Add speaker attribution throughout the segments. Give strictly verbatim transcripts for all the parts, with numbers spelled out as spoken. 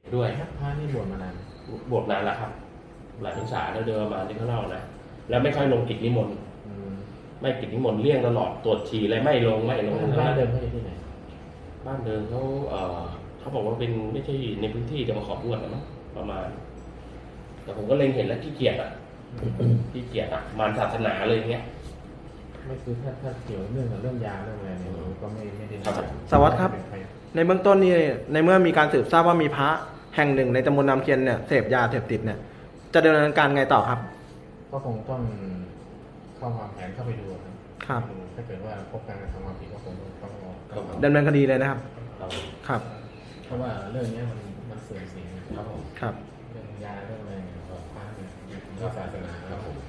Speaker 1: ด้วยพระนี่บวชมานาน
Speaker 2: บวชนานแล้วครับหลายพรรษาแล้วเดินมาที่เขาเล่านะแล้วไม่ค่อยลงกิจนิมนต์ไม่กิจนิมนต์เลี่ยงตลอดตรวจฉี่อะไรไม่ลงไม่ลงบ้านเดิมเขาอยู่ที่ไหนบ้านเดิมเขาเออเขาบอกว่าเป็นไม่ใช่ในพื้นที่จะมาขอบวชนะมั้งประมาณแต่ผมก็เล็งเห็นแล้วขี้เกียจอ่ะขี้เกียจอ่ะมารศาสนาเลยเงี้ย
Speaker 1: ไม่คือถ้าถ้าเกี่ยวเรื่องกับเรื่องยาเรื่องอะไรเนี่ยก็ไม่ไม่ได้
Speaker 3: สวัสดีครับในเบื้องต้นนี่ในเมื่อมีการสืบทราบว่ามีพระแห่งหนึ่งในตำบลน้ำเคียนเนี่ยเสพยาเสพติดเนี่ยจะดำเนินการไงต่อครับ
Speaker 1: ก็คงต้องเข้าวางแผนเข้าไปดู
Speaker 3: ครับ
Speaker 1: ถ้าเกิดว่าพบการกระทำความผิดก็คงต้อง
Speaker 3: ดำเนินคดีเลยนะครับครับ
Speaker 1: เพราะว่าเรื่องนี้มันมันเสื่อมเสียครับผม
Speaker 3: ครับ
Speaker 1: เรื่องยาเรื่องอะไรเนี่ยก็พระเนี่ยเรื่องศาสนาครับผม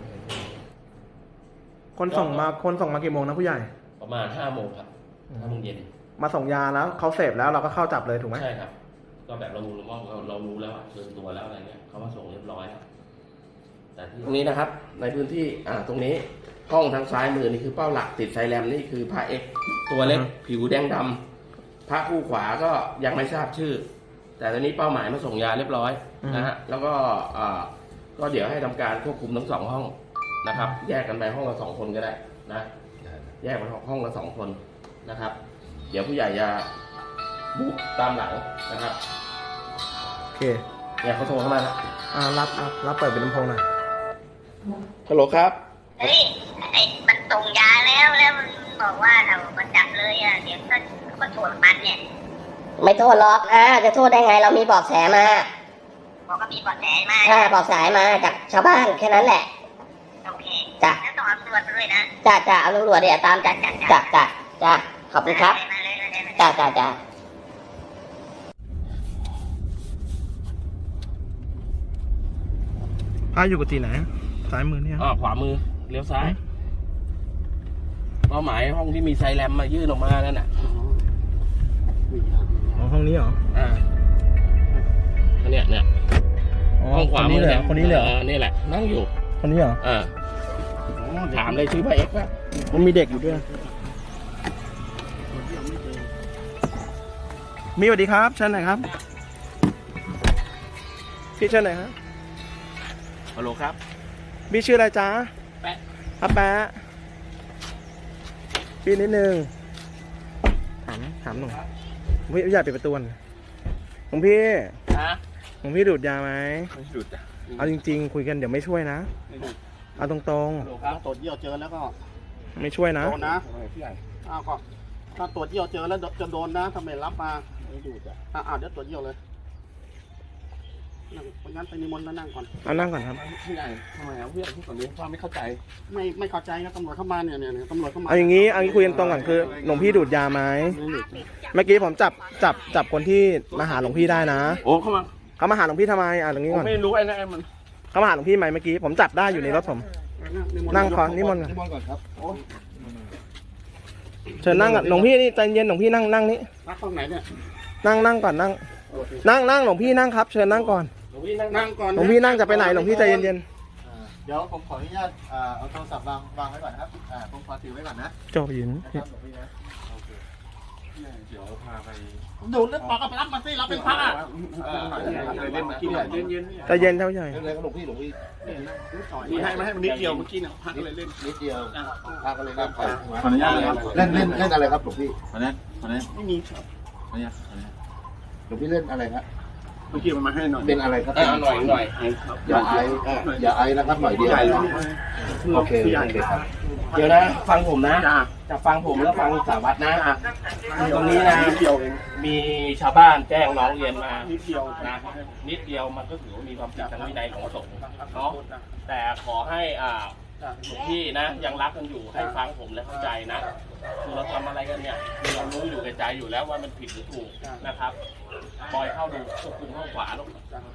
Speaker 3: คนส่งมาคนส่งมากี่โมงนะผู้ใหญ่
Speaker 2: ประมาณห้าโมงครับห้าโมงเย็น
Speaker 3: มาส่งยาแล้วเขาเสพแล้วเราก็เข้าจับเลยถูกไหม
Speaker 2: ใช่ครับก็แบบเรารู้ว่าเรารู้แล้วเชิญตัวแล้วอะไรเงี้ยเขามาส่งเรียบร้อยแล้วแต่ที่ตรงนี้นะครับในพื้นที่อ่าตรงนี้ห้องทางซ้ายมือนี่คือเป้าหลักติดไซแรมนี่คือพระเอกตัวเล็กผิวแดงดำพระคู่ขวาก็ยังไม่ทราบชื่อแต่ตอนนี้เป้าหมายมาส่งยาเรียบร้อยนะฮะแล้วก็อ่าก็เดี๋ยวให้ทำการควบคุมทั้งสองห้องนะครับแยกกันไปห้องละสองคนก็ได้นะแยกไปห้องละสองคนนะครับเดี๋ยวผู้ใหญ่จะบุกตามหลังนะครับ
Speaker 3: โอเค
Speaker 2: เนี่ยเขาโทรเข้ามาแล้ว
Speaker 3: อ่ารับรับรับเปิดเป็นลำโพงหน่อย
Speaker 2: ฮัลโหลครับ
Speaker 4: เฮ้ยไอ้มันส่งยาแล้วแล้วมันบอกว่าเรามันจับเลยอ่ะเดี๋ยวก็ก็โทษมันเนี่ย
Speaker 5: ไม่โทษหรอกอ่าจะโทษได้ไงเรามีเบาะแสมา
Speaker 4: บอกก็มีเบาะแสมา
Speaker 5: อ่าเบาะแสมาจากชาวบ้านแค่นั้นแหละ
Speaker 4: โอเค
Speaker 5: จ้ะ
Speaker 4: แล้วต้องเอาตำรวจมาด้วยนะ
Speaker 5: จ้ะจ้ะเอาตำรวจเดี๋ยวตามจ้ะจ้ะจ้ะจ้ะจ้ะขอบคุณครับจ้ะจ้ะจ้ะ
Speaker 3: พาอยู่กับที่ไหนซ้ายมือเนี่ย
Speaker 2: อ๋อขวามือเลี้ยวซ้ายเป้าหมายห้องที่มีไซแรมมายื่นออกมานั่นน่ะ
Speaker 3: อ๋อห้องนี้เหรอ
Speaker 2: อ่าเนี่ยเนี่ยห้องขวามือ
Speaker 3: เนี่ยคนนี้เลย
Speaker 2: นี่แหละนั่งอยู่
Speaker 3: คนนี้เหรอ
Speaker 2: อ่าถามเลยชื่อพระเอกว่า
Speaker 3: มันมีเด็กอยู่ด้วยมีสวัสดีครับเชิญหน่อยครับพี่เชิญหน่อยครับ
Speaker 2: ฮัลโหลครับ
Speaker 3: พี่ชื่ออะไรจ๊ะ
Speaker 2: แปะ
Speaker 3: ครับแปะพี่นิดนึงถามถามหน่อยพี่อยากปิดประตูของพี่
Speaker 2: ฮะ
Speaker 3: ของพี่ดูดยาไหม
Speaker 2: ไม่ดูดจ้ะ
Speaker 3: เอาจริงๆคุยกันเดี๋ยวไม่ช่วยนะ
Speaker 2: ไม่ดูด
Speaker 3: เอาตรง
Speaker 6: ๆถ้าตรวจเยี่ยวเจอแล้วก็
Speaker 3: ไม่ช่วยนะ
Speaker 6: โดนนะพี่ใหญ่อ้าวก็ถ้าตรวจเยี่ยวเจอแล้วจะโดนนะทำไมรับมาไม่ดูจ้ะอ่าเดี๋ยวตรวจเยี่ยวเลยงั้นไปนิมนต์แล้วนั่งก่อน
Speaker 3: เอานั่งก่อนครับ
Speaker 2: พี่ใหญ่ทำไมอ่ะพี่ใหญ่พูดแบบนี้ว่าไม่เข้าใจ
Speaker 6: ไม่ไม่เข้าใจนะตำรวจเข้ามาเนี่ยเนี่ยตำรวจเข้ามา
Speaker 3: เอาอย่างนี้เอางี้คุยกันตรงก่อนคือหลวงพี่ดูดยาไหมเมื่อกี้ผมจับจับจับคนที่มาหาหลวงพี่ได้นะ
Speaker 2: โอ้เข้ามา
Speaker 3: เขามาหาหลวงพี่ทำไมอ่ะตรงนี้ก่อน
Speaker 2: ไม่รู้ไอ้นั่นมัน
Speaker 3: เขามาหาหลวงพี่ไหมเมื่อกี้ผมจับได้อยู่ในรถผมนั่งก่อนนิมนต์
Speaker 6: ก่อนครับ
Speaker 3: เชิญนั่งหลวงพี่นี่ใจเย็นหลวงพี่นั่งนั่งนี่
Speaker 6: นั่งตรงไหนเนี่ย
Speaker 3: นั่งนั่งก่อนนั่งนั่งนั่งหลวงพี่นั่งครับเชิญนั่งก่อน
Speaker 2: หลวงพี่นั่ง
Speaker 6: ก่อน
Speaker 3: หลวงพี่นั่งจะไปไหนหลวงพี่ใจเย็น
Speaker 6: ๆเดี๋ยวผมขออนุญาตเอาโทรศัพท์วางวางไว้ก่อนนะครับผมขอถือไว้ก่อนนะ
Speaker 3: จบยิน
Speaker 2: เดี๋ยวพาไป
Speaker 6: ดูเรื่องปากกับรับมาสิรับเป็นพระอ่ะ
Speaker 2: เล่นเมื่อกี้เนี่ยเย็น
Speaker 3: ๆใจเย็นเท่าใหญ่
Speaker 6: เล่นหลวงพี่หลวงพี่
Speaker 2: มีให้มาให้มันนิดเดียวเมื่อกี้เนี่ยพักเลยเล่น
Speaker 6: นิดเดียวพักเลยเล่นไปขออนุญาตเล่นเล่นเล่นอะไรครับหลวงพี่
Speaker 2: ขออนุญาตขออนุญาต
Speaker 6: ไม่มี
Speaker 2: ขออนุญาต
Speaker 6: หลวงพี่เล่นอะไรครับ
Speaker 2: เมื่อกี้มันมาให้หน่อย
Speaker 6: เป็นอะไรครับ
Speaker 2: หน่อยหน่อย
Speaker 6: อย่าไออย่าไอนะครับหน่อยเดียวโอเคโอเคครับ
Speaker 2: เดี๋ยวนะฟังผมนะจะฟังผมแล้วฟังสารวัตรนะตรงนี้นะมีชาวบ้านแจ้งร้องเรียนมานิดเดียวนะนิดเดียวมันก็ถือว่ามีความผิดทางวินัยของสงฆ์เนาะแต่ขอให้อ่าหลวงพี่นะยังรักกันอยู่ให้ฟังผมและเข้าใจนะคือเราทำอะไรกันเนี่ยเรารู้อยู่ในใจอยู่แล้วว่ามันผิดหรือถูกนะครับปล่อยเข้าดูควบคุมข้างขวาลูก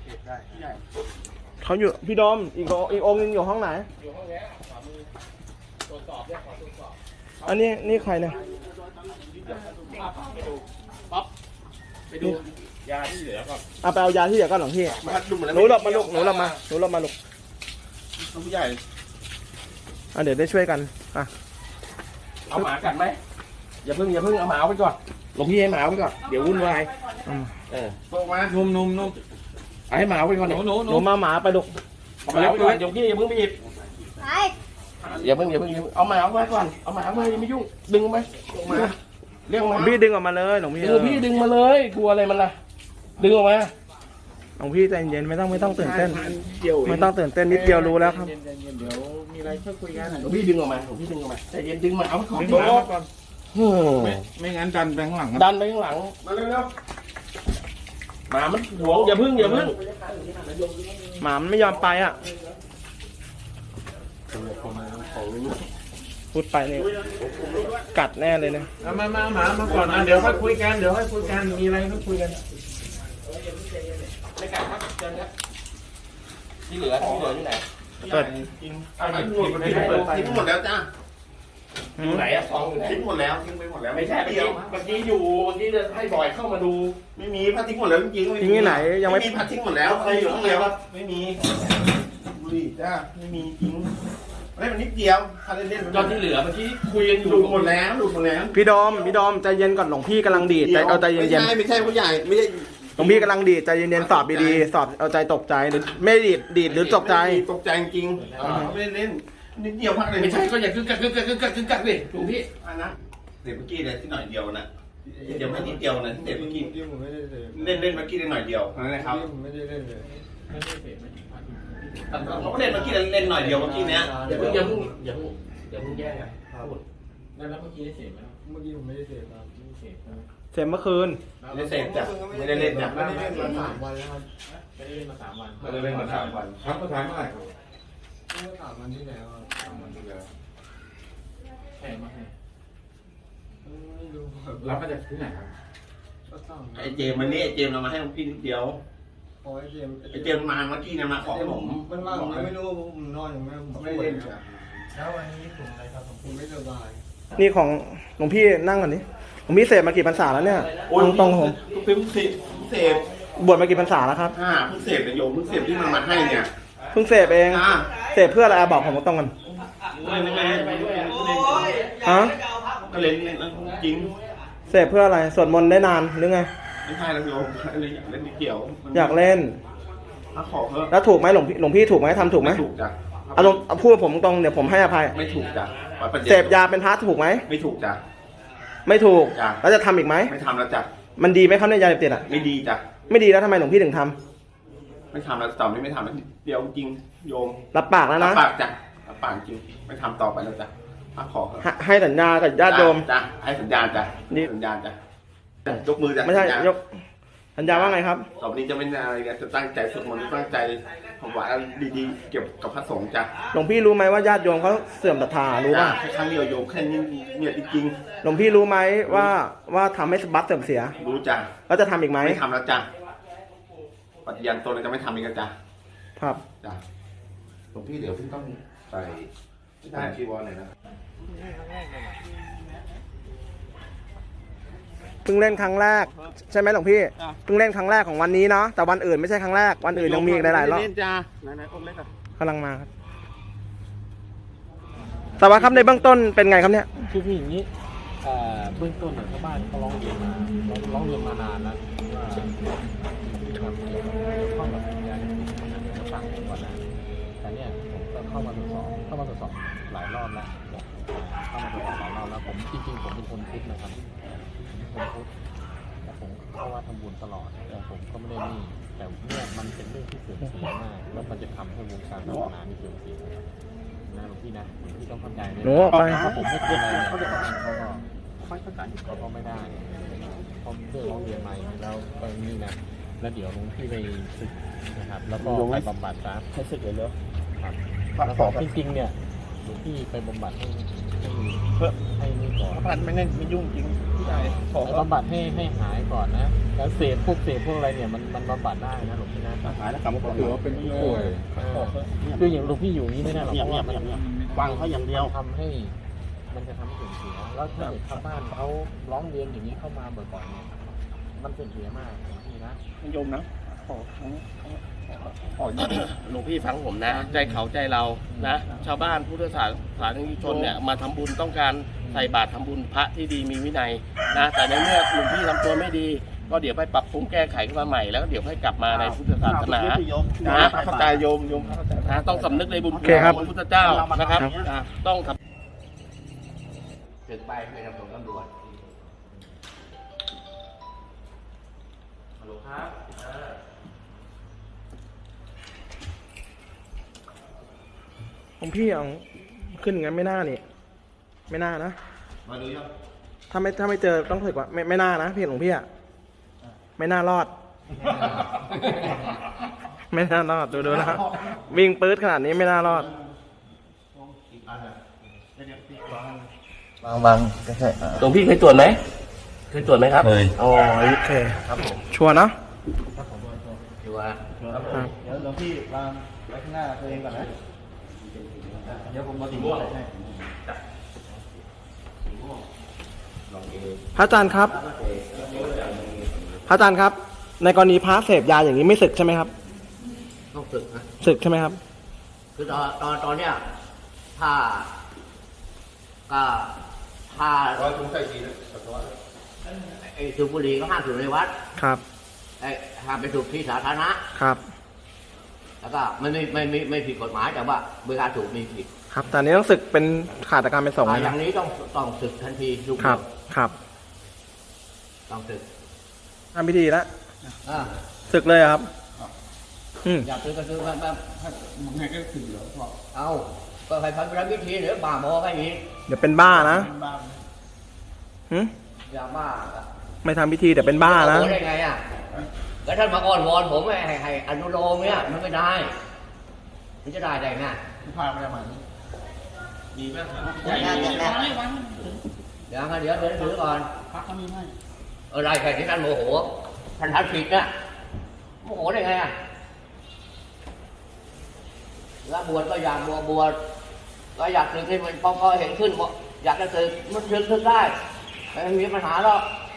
Speaker 3: เขาอยู่พี่ดอมอีกอีกองนึงอยู่ห้องไหน
Speaker 2: อยู่ห้องนี้ขวามือตรวจสอบเนี่ยขอตรวจสอบ
Speaker 3: อันนี้นี่ใครเนี่ย
Speaker 2: ไปดูป๊อปไปดูยาที่เหลือก่อน
Speaker 3: เอาไปเอายาที่เหลือก่อนหลวงพี่หนูหลบมาลูกหนูหลบมาหนูหลบมาลูก
Speaker 2: ผู้ใหญ่
Speaker 3: อ่ะเดี๋ยวได้ช่วยกันอ่ะ
Speaker 2: เอาหมากัดไหมอย่าเพิ่งอย่าเพิ่งเอาหมาไปก่อนหลวงพี่ให้หมาไปก่อนเดี๋ยววุ่นวายเออ
Speaker 1: พวกมานุ่มนุ่มนุ่ม
Speaker 2: เอาให้หมาไว้ก่อน
Speaker 1: หนูหนูห
Speaker 3: ห
Speaker 1: นู
Speaker 3: นูมาหมาไปลูก
Speaker 2: เอาหมาไว้ก่อนเดี๋ยวพี่อย่าเพิ่งไปหยิบอย่าเพิ่งอย่าเพิ่งอย่าเพิ่งเอาหมาเอาไว้ก่อนเอาหมาเอาไว้อย่าไม่ยุ่งดึงไหมมาเรียก
Speaker 3: หล
Speaker 2: มาว
Speaker 3: งพี่ดึงออกมาเลยหลวงพี่
Speaker 2: ดึงพี่ดึงมาเลยกลัวอะไรมันล่ะดึงออกมา
Speaker 3: หลวงพี่ใจเย็นไม่ต้องไม่ต้องตื่นเต้น
Speaker 1: เกี่ยว
Speaker 3: ไม่ต้องตื่นเต้นนิดเดียวรู้แล้วครับ
Speaker 1: เย็นๆเดี๋ยวมีอะไรช่วยคุยกัน
Speaker 2: หลวงพี่ดึงออกมาหลวงพี่ดึงออกมาใจเย็นดึงมาเอาไว้ก่อน
Speaker 1: ดึงหมามาก่อน
Speaker 2: เฮ้ย
Speaker 1: ไม่ไม่งั้นดันไปข้างหลัง
Speaker 2: ดันไปข้างหลังมาเร็วๆหมามันหวงอย่าพึ่งอย่าพึ่ง
Speaker 3: หมามันไม่ยอมไปอ่ะพูดไปเนี่ยกัดแน่เลยเนี่ย
Speaker 1: เอามามาหมามาก่อนนะเดี๋ยวค่อยคุยกันเดี๋ยวค่อยคุยกันมีอะไรค่อยคุยกัน
Speaker 2: ไม่กัดครับเชิญครับที่เหลือที่เหลือที่ไหน
Speaker 3: เปิด
Speaker 2: เอาทิ้งหมดเลยทิ้งหมดแล้วจ้าอยู่ไหนอะซองอยู่ไหน
Speaker 6: ทิ้งหมดแล้วทิ้งไปหมดแล้ว
Speaker 2: ไม่ใช่เมื่อกี้เมื่อกี้อยู่เมื่อกี้จะให้บอยเข้ามาดู
Speaker 6: ไม่มีพัดทิ้งหมดแล้วจริงๆ
Speaker 3: ทิ้งที่ไหนยังไม่
Speaker 6: ไม่มีพัดทิ้งหมดแล้วใครอยู่ข้างในวะไม่มีบุหรี่จ้าไม่มีจริงเล่นมันนิดเดียวพัดเล่นๆ
Speaker 2: ตอนที่เหลือเมื่อกี้คุยกันอยู่
Speaker 6: ดูดหมดแล้วดูดหมดแล้ว
Speaker 3: พี่ดอมพี่ดอมใจเย็นก่อนหลวงพี่กำลังดีดใจเอาใจเย็น
Speaker 6: ไม่ใช่ไม่ใช่ผู้ใหญ่ไม่ใช่
Speaker 3: ๆหลวงพี่กำลังดีดใจเย็นๆสอบดีๆสอบเอาใจตกใจหรือไม่ดีดดีดหรือตกใจ
Speaker 6: ตกใจจริงๆไม่ได้เล่นนิดเดียวพักเลย
Speaker 2: ไม่ใช่ก็อย่าคึกกักคึกกักคึกกักคึกกักดิหลวงพี่
Speaker 6: อันนะเด็กเมื่อกี้เลยที่หน่อยเดียวนะเดี๋ยวไม่นิดเดียวนะที่เด็กเมื่อกี้เล่นเล่นเมื่อกี้ได้หน่อยเดียวนั่นแหละครับ
Speaker 1: ไม่ได้เล่นเลย
Speaker 6: เขาก็เล่นเมื่อกี้เล่นหน่อยเดียวเมื่อกี้เนี้ย
Speaker 2: อย่าเพิ่งอย่าเพิ่งอย่าเพิ่งอย่าเพิ่งแย่งกันพูด
Speaker 1: แล้วเมื่อกี้ได้เสพไหมเมื่อกี้ผมไม่ได้เสพครับไม่ได้เสพใช่ไหม
Speaker 3: เสร็จเมื่อคืน
Speaker 6: ไม่ได้เสพจ้ะไม่ได้เล่นจ้ะ
Speaker 1: ไม่ได้เล่นมาสามวันแล้วครับไม่ได้เล่นมาสามวัน
Speaker 6: ไม่ได้เล่นมาสามวัน
Speaker 1: ครับก็ถามเมื่อไหร่ครับเมื่อสามวันที่แล้วสามวันที่แล้วแพงมากไม่รู้รับมาจากที่ไหนครับ
Speaker 6: ไอเจมมันนี่ไอเจมเรามาให้พี่นิดเดียว
Speaker 1: โอ้ยเจม
Speaker 6: ไอเจมมาเมื่อกี้เนี่ยมาขอผม
Speaker 1: มันว่าผมไม่รู้ผมนอนอยู่ไม่ผม
Speaker 6: ไม่ได้เล่นจ้ะ
Speaker 1: แล้ววันนี้ผมอะไรครับผมไม่สบาย
Speaker 3: นี่ของหลวงพี่นั่งก่อนนี้หลวงพี่เสพมากี่พรรษาแล้วเนี่ยตรงๆผม
Speaker 6: เพิ่งเสพเสพ
Speaker 3: บวชมากี่พรรษาแล้วครับ
Speaker 6: อ่าเพิ่งเสพเนี่ยโยมเพิ่งเสพที่มันมาให้เนี่ย
Speaker 3: เพิ่งเสพเอง
Speaker 6: อ่า
Speaker 3: เสพเพื่ออะไรอ่ะบอกผมตรงกัน
Speaker 6: เล่นเล่นเล่นเล่น
Speaker 3: ฮะ
Speaker 6: ก็เล่นเล่นจริง
Speaker 3: เสพเพื่ออะไรสวดมนต์ได้นานหรือไง
Speaker 6: ไม่ใช่แล้วโยมอะไรอยากเล่นนิดเดียว
Speaker 3: อยากเล่น
Speaker 6: ถ้าขอเพิ่ม
Speaker 3: แล้วถูกไหมหลวงพี่หลวงพี่ถูกไหมทำถูกไหม
Speaker 6: ไม่ถูกจ้ะ
Speaker 3: เอาลงเอาพูดกับผมตรงเดี๋ยวผมให้อภัย
Speaker 6: ไม่ถูกจ้ะ
Speaker 3: เสพยาเป็นพระถูกไหม
Speaker 6: ไม่ถูกจ้ะ
Speaker 3: ไม่ถูก
Speaker 6: จ้ะ
Speaker 3: แล้วจะทำอีกไหม
Speaker 6: ไม่ทำแล้วจ้ะ
Speaker 3: มันดีไหมครับในยยาเสพติดอ่ะ
Speaker 6: ไม่ดีจ้ะ
Speaker 3: ไม่ดีแล้วทำไมหลวงพี่ถึงทำ
Speaker 6: ไม่ทำแล้วต่อไม่ไม่ทำแล้วเดียวจริงโยม
Speaker 3: รับปากแล้วนะ
Speaker 6: ปากจ้ะรับปากจริงไม่ทำต่อไปแล้วจ้ะถ้าขอเถอะ
Speaker 3: ให้ให้สัญญากับญาติโยม
Speaker 6: จ้ะให้สัญญาณจ้ะ
Speaker 3: นี่
Speaker 6: สัญญาณจ้ะยกมือจ้ะ
Speaker 3: ไม่ใช่
Speaker 6: สัญญาณ
Speaker 3: ยกสัญญาว่าไงครับ
Speaker 6: ต่อไปนี้จะไม่อะไรกันจะตั้งใจสวดมนต์ตั้งใจผมว่าดีๆเกี่ยวกับพระสงฆ์จ้ะ
Speaker 3: หลวงพี่รู้ไหมว่าญาติโยมเขาเสื่อมศรัทธารู้ป่ะ
Speaker 6: แค่ครั้งเดียวโยมแค่นี้เนี่ยจริง
Speaker 3: หลวงพี่รู้ไหมว่าว่าทำให้บัตรเสื่อมเสีย
Speaker 6: ๆรู้จ้ะ
Speaker 3: แล้วจะทำอีกไหม
Speaker 6: ไม่ทำแล้วจ้ะปฏิญาณตนจะไม่ทำอีกแล้วจ้ะ
Speaker 3: ครับ
Speaker 6: จ้ะ
Speaker 7: หลวงพี่เดี๋ยวพี่ต้องใส่ใส่ชีวรหน่อยนะ
Speaker 3: เพิ่งเล่นครั้งแรกใช่ไหมหลวงพี่เพิ่งเล่นครั้งแรกของวันนี้เนาะแต่วันอื่นไม่ใช่ครั้งแรกวันอื่นยังมีอีกหลายๆรอบ
Speaker 6: เล่นจ้ะไหนๆองค์เล็กอ่ะ
Speaker 3: กำลังมาครับสวัสดีครับในเบื้องต้นเป็นไงครับเนี่ย
Speaker 1: คือคืออย่างนี้เอ่อเบื้องต้นเนี่ยชาวบ้านเขาร้องเรียนมาร้องเรียนมานานแล้วว่ามีความเกี่ยวข้องกับยาเสพติดจะฟังผมก่อนนะแต่เนี่ยผมก็เข้ามาตรวจสอบเข้ามาตรวจสอบหลายรอบแล้วเข้ามาตรวจสอบหลายรอบแล้วผมจริงๆผมเป็นคนพุทธนะครับผมเป็นคนพุทธแต่ผมเข้าว่าทำบุญตลอดแต่ผมก็ไม่ได้นี่แต่เนี่ยมันเป็นเรื่องที่เสื่อมเสียมากแล้วมันจะทำให้วงการศาสนามีเสื่อมเสียนะหลวงพี่นะหลวงพี่ต้องเข้าใจเลย
Speaker 3: หนูออกไป
Speaker 1: ถ้าผมไม่เป็นอะไรเนี่ยเขาก็ไม่เข้าใจเขาก็ไม่ได้เพราะเรื่องร้องเรียนมาอย่างนี้แล้วก็นี่นะแล้วเดี๋ยวหลวงพี่ไปศึกนะครับแล้วก็ไปบำบัดซะให้ศึกเลยเนอะครับแล้วก็จริงๆเนี่ยหลวงพี่ไปบำบัดให้ให้เพื่อให้นี่ก่อน
Speaker 6: พันไม่ได้ไม่ยุ่งจริงพี่ใหญ่ขอ
Speaker 1: ไปบำบัดให้ให้หายก่อนนะแล้วเสพพวกเสพพวกอะไรเนี่ยมันมันบำบัดได้นะหลวงพี่นะ
Speaker 6: หายแล้วกลับมาบอก
Speaker 1: ถือว่าเป็นผู้ป่วยคืออย่างหลวงพี่อยู่นี้ไม่ได้หรอกเพราะว่ามัน
Speaker 6: ฟังเขาอย่างเดียว
Speaker 1: ทำให้มันจะทำให้เสื่อมเสียแล้วถ้าเด็กชาวบ้านเขาร้องเรียนอย่างนี้เข้ามาบ่อยๆเนี่ยมันเสื่อมเสียมากหลวงพี่นะ
Speaker 6: โยมนะขอขอขอ
Speaker 2: หลวงพี่ฟังผมนะ ใจเขาใจเรานะ ชาวบ้านพุทธศาสนิกชนเนี่ยมาทำบุญต้องการใส่บาตรทำบุญพระที่ดีมีวินัยนะแต่ในเมื่อหลวงพี่ทำตัวไม่ดีก็เดี๋ยวไปปรับปรุงแก้ไขขึ้นมาใหม่แล้วเดี๋ยวให้กลับมาในพุทธศาสนา
Speaker 6: โยม
Speaker 2: นะ
Speaker 6: เข้าใจโยมโยมเข้าใจ
Speaker 2: นะต้องสำนึกในบุญ
Speaker 3: โอเคครับ
Speaker 2: ของพระพุทธเจ้านะครับอ่ะต้องทำถึงไปไปทำส่งตำรวจฮัลโหลครับอ่า
Speaker 3: ของพี่เอาขึ้นอย่างนั้นไม่น่านี่ไม่น่านะ
Speaker 7: มาดูยัง
Speaker 3: ถ้าไม่ถ้าไม่เจอต้องถึกว่าไม่ไม่น่านะพี่หลวงพี่อะไม่น่ารอด ไม่น่ารอดดูดูนะครับวิ่งปื๊ดขนาดนี้ไม่น่ารอด
Speaker 5: บางบางก็ใช่
Speaker 2: หลวงพี่เคยตรวจไหมเคยตรวจไหมครับ
Speaker 7: เคย
Speaker 2: อ๋อ
Speaker 3: โอเค
Speaker 2: ครับผม
Speaker 3: ชัวร์เนอะ
Speaker 2: ดูว่า
Speaker 3: ครับ
Speaker 6: เดี๋ยวหลวงพี่วางไว้ข้างหน้าตัวเองก่อนนะเดี๋ยวผมมาดูให้
Speaker 3: พระอาจารย์ครับ พระอาจารย์ครับ ในกรณีพระเสพยาอย่างนี้ไม่ศึกใช่ไหมครับ
Speaker 5: ต้องฝึกนะ
Speaker 3: ศึกใช่ไหมครับ
Speaker 5: คือตอนตอนตอนเนี้ยถ้าก็ถ้า
Speaker 7: ร้อยถุงใส่ทีนะปัสสาวะ
Speaker 5: ไอ้สูบบุหรี่ก็ห้ามสูบในวัด
Speaker 3: ครับ
Speaker 5: ไอ้ห้ามไปสูบที่สาธารณะ
Speaker 3: ครับ
Speaker 5: แล้วก็ไม่ไม่ไม่ไม่ไม่ผิดกฎหมายแต่ว่าเวลาสูบมีผิด
Speaker 3: ครับแต่อันนี้ต้องศึกเป็นขาดจากการเป็นสงฆ์
Speaker 5: อ่า
Speaker 3: นะ
Speaker 5: อ
Speaker 3: ครั
Speaker 5: ย่า
Speaker 3: บ
Speaker 5: งนี้ต้องต้องศึกทันทีทุก
Speaker 3: ครับ ครับ
Speaker 5: ต้องศึก
Speaker 3: ทำพิธีแล้ว
Speaker 5: อ่า
Speaker 3: ศึกเลยเหรอครับ อืม
Speaker 5: อยากซื้อก็ซื้อแบบแบบไงก็ถือเหรอเอาก็ให้พันธวิธีหรือบ้าบอกันอีก
Speaker 3: เดี๋ยวเป็นบ้านะหึ
Speaker 5: อย่าบ้า
Speaker 3: ไม่ทำพิธีเดี๋ยวเป็นบ้านะ
Speaker 5: โอ้ได้ไงอ่ะแล้วท่านมาอ้อนวอนผมให้ให้อนุโลมเนี่ยมันไม่ได้มันจะได้ได้ไง
Speaker 6: พาไปได้ไหม
Speaker 2: ดีมากครับ
Speaker 5: อย่างนั้นอย่างนั้นเดี๋ยวเดี๋ยวเดี๋ยวถือก่อน
Speaker 6: พักเขามีให้
Speaker 5: อะไรใครที่ท่านโมโหท่านทัดผิดนะโมโหได้ไงอ่ะแล้วบวชก็อยากบวชบวชก็อยากศึกให้มันพอพอเห็นขึ้นบอกอยากจะศึกมันศึกศึกได้ไม่มีปัญหาหรอก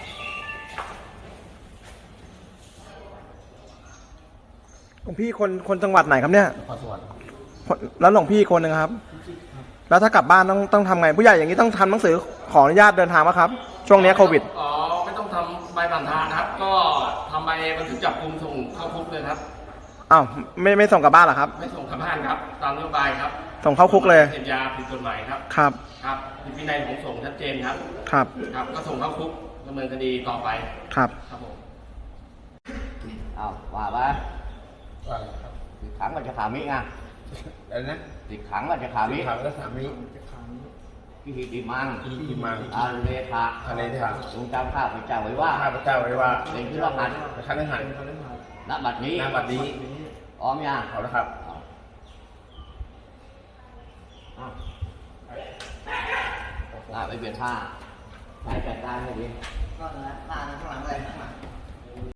Speaker 3: หลวงพี่คนคนจังหวัดไหนครับเนี่ย
Speaker 6: ขอสวรรค์
Speaker 3: คนแล้วหลวงพี่คนหนึ่งครับ แล้วถ้ากลับบ้านต้องต้องทำไง ผู้ใหญ่อย่างนี้ต้องทำหนังสือขออนุญาตเดินทางไหมครับ ช่วงนี้โควิด
Speaker 2: อ๋อไม่ต้องทำใบผ่านทางนะครับ ก็ทำใบบันทึกจับกุมส่งเข้าคุกเลยครับ
Speaker 3: อ้าวไม่ไม่ส่งกลับบ้านเหรอครับ
Speaker 2: ไม่ส่งกลับบ้านครับ ตามนโยบายครับ
Speaker 3: ส่งเข้าคุกเลย
Speaker 2: เสพยาผิดกฎหมายครับ
Speaker 3: ครับ
Speaker 2: ครับผิดวินัยของสงฆ์ชัดเจนครับ
Speaker 3: ครับ
Speaker 2: ครับ ก็ส่งเข้าคุกดำเนินคดีต่อไป
Speaker 3: ครับ
Speaker 2: ครับผม
Speaker 5: เอาว่าไป
Speaker 7: ว่าอะไรครับ
Speaker 5: ติดขังก็จะขามิไง
Speaker 7: อะไรนะ
Speaker 5: ติดขังก็จะขามิ
Speaker 7: ถามแล้วสามี
Speaker 5: พิธีดีมัง
Speaker 7: ที่มา
Speaker 5: อาเลทะ
Speaker 7: อะไรที่ถาม
Speaker 5: ทรงจำข้าพเจ้าไว้ว่า
Speaker 7: ข้าพเจ้าไว้ว่า
Speaker 5: เป็นที่รหัส
Speaker 7: คันหัน
Speaker 5: ณบัดนี้
Speaker 7: นามบัดนี้
Speaker 5: พร้อมยัง
Speaker 7: เอาละครับ
Speaker 5: อ่ะอ่ะไปเปลี่ยนท่าใช้จัดการให้ดีก็นะท่าข้างหลังเลยข้างหลัง